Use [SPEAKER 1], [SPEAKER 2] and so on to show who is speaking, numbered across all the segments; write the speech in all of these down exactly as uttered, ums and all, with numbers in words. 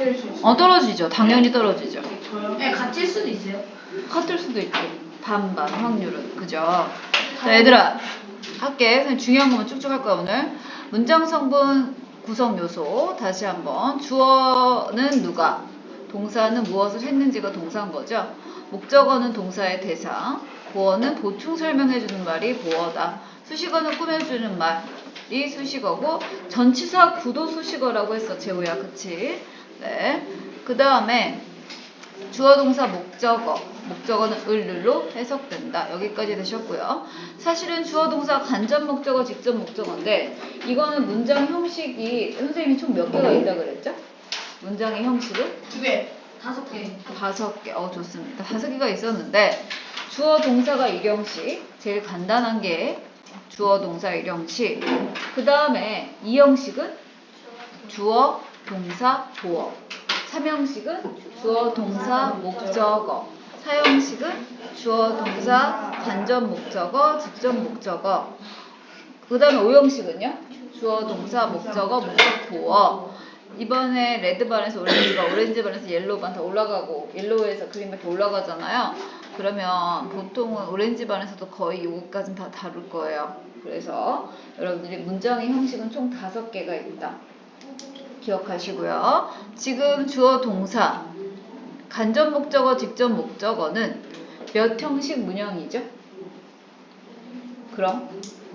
[SPEAKER 1] 떨어질 수 있어요?
[SPEAKER 2] 어, 떨어지죠. 당연히 떨어지죠.
[SPEAKER 1] 저요? 네, 같을 수도 있어요.
[SPEAKER 2] 같을 수도 있고 반반 확률은. 그죠? 자, 얘들아 할게. 그냥 중요한 것만 쭉쭉 할 거야 오늘. 문장 성분 구성 요소 다시 한번. 주어는 누가, 동사는 무엇을 했는지가 동사인 거죠. 목적어는 동사의 대상, 보어는 보충 설명해주는 말이 보어다. 수식어는 꾸며주는 말이 수식어고, 전치사 구도 수식어라고 했어 재호야. 그치? 네. 그 다음에 주어 동사 목적어, 목적어는 을로 해석된다. 여기까지 되셨고요. 사실은 주어 동사 간접 목적어, 직접 목적어인데 이거는 문장 형식이 선생님이 총 몇 개가 있다 그랬죠? 문장의 형식은?
[SPEAKER 1] 두 개. 다섯 개.
[SPEAKER 2] 다섯 개. 어, 좋습니다. 다섯 개가 있었는데 주어 동사가 일형식, 제일 간단한 게 주어 동사 일형식. 그 다음에 이형식은 주어 동사 보어. 삼형식은 주어 동사 목적어. 사형식은 주어 동사 간접 목적어, 직접 목적어. 그 다음에 오형식은요? 주어 동사 목적어, 목적 보어. 이번에 레드반에서 오렌지반, 오렌지반에서 옐로우반 다 올라가고, 옐로우에서 그린밖에 올라가잖아요. 그러면 보통은 오렌지반에서도 거의 요거까지는 다 다룰 거예요. 그래서 여러분들이 문장의 형식은 총 다섯 개가 있다. 기억하시고요. 지금 주어 동사 간접 목적어, 직접 목적어는 몇 형식 문형이죠? 그럼?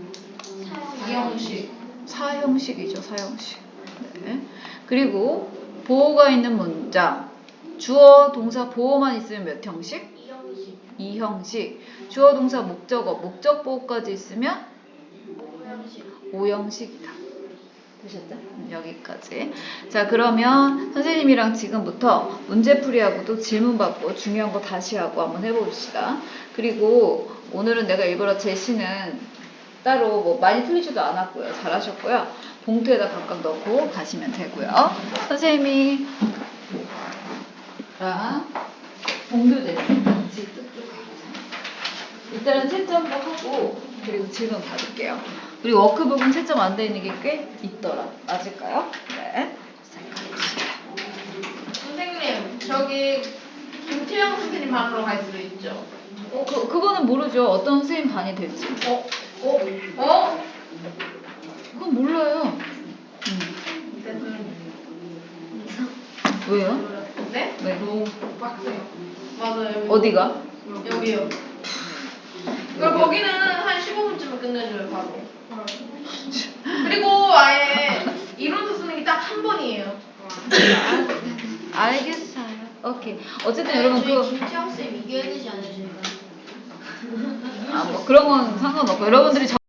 [SPEAKER 1] 사형식.
[SPEAKER 2] 사형식이죠. 사형식. 네. 그리고 보어가 있는 문장, 주어 동사 보어만 있으면 몇 형식?
[SPEAKER 1] 이형식.
[SPEAKER 2] 이형식. 주어 동사 목적어, 목적 보어까지 있으면
[SPEAKER 1] 오형식.
[SPEAKER 2] 오형식이다. 되셨죠? 여기까지. 자, 그러면 선생님이랑 지금부터 문제풀이하고도 질문 받고 중요한 거 다시 하고 한번 해봅시다. 그리고 오늘은 내가 일부러 제시는 따로 뭐 많이 틀리지도 않았고요. 잘하셨고요. 봉투에다 각각 넣고 가시면 되고요. 선생님이 랑 동료들 같이 뚝뚝 해보세요. 일단은 채점도 하고 그리고 질문 받을게요. 우리 워크북은 채점 안 돼 있는 게 꽤 있더라. 맞을까요? 네.
[SPEAKER 1] 선생님, 저기 김태형 선생님 반으로 갈 수도 있죠.
[SPEAKER 2] 어, 그, 그거는 모르죠. 어떤 선생님 반이 될지.
[SPEAKER 1] 어? 어? 어?
[SPEAKER 2] 그건 몰라요. 음. 왜요?
[SPEAKER 1] 네?
[SPEAKER 2] 네.
[SPEAKER 1] 너무 빡세요. 맞아요.
[SPEAKER 2] 어디가?
[SPEAKER 1] 여기요. 그리고 거기는 한 십오 분쯤에 끝내줘요, 바로. 그리고 아예 이론서 쓰는 게 딱 한 번이에요.
[SPEAKER 2] 알겠어요. 오케이. 어쨌든
[SPEAKER 3] 아니,
[SPEAKER 2] 여러분
[SPEAKER 3] 저희
[SPEAKER 2] 그
[SPEAKER 3] 김태형 쌤 이겨야 되지 않아요, 저희가?
[SPEAKER 2] 아, 뭐 그런 건 상관없고 여러분들이